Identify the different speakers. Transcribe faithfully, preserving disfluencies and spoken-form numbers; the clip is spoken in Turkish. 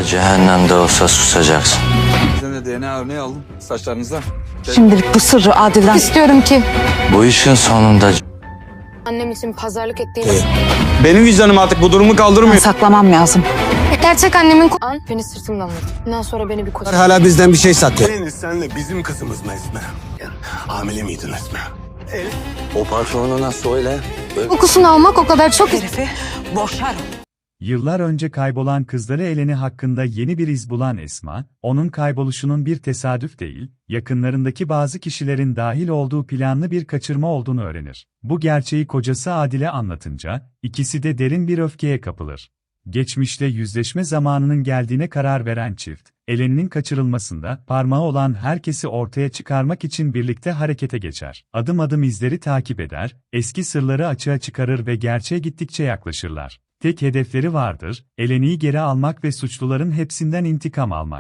Speaker 1: Cehennemde olsa susacaksın.
Speaker 2: Sen de D N A örneği aldım saçlarınızdan.
Speaker 3: Şimdilik bu sırrı Adil'den
Speaker 4: İstiyorum ki
Speaker 1: Bu işin sonunda
Speaker 4: annem için pazarlık ettiğini...
Speaker 2: Benim vicdanım artık bu durumu kaldırmıyor.
Speaker 3: saklamam lazım.
Speaker 4: Gerçek annemin... An beni sırtımdan vurdu. Bundan sonra beni bir koca...
Speaker 5: Hala bizden bir şey saklıyor.
Speaker 6: Deniz senle bizim kızımız mı Esmer? Hamile miydin Esmer?
Speaker 1: o patronuna söyle.
Speaker 4: Kokusunu almak o kadar çok...
Speaker 3: Herifi boşarım.
Speaker 7: Yıllar önce kaybolan kızları Eleni hakkında yeni bir iz bulan Esma, onun kayboluşunun bir tesadüf değil, yakınlarındaki bazı kişilerin dahil olduğu planlı bir kaçırma olduğunu öğrenir. Bu gerçeği kocası Adil'e anlatınca, ikisi de derin bir öfkeye kapılır. Geçmişte yüzleşme zamanının geldiğine karar veren çift, Eleni'nin kaçırılmasında parmağı olan herkesi ortaya çıkarmak için birlikte harekete geçer. Adım adım izleri takip eder, eski sırları açığa çıkarır ve gerçeğe gittikçe yaklaşırlar. Tek hedefleri vardır, Eleni'yi geri almak ve suçluların hepsinden intikam almak.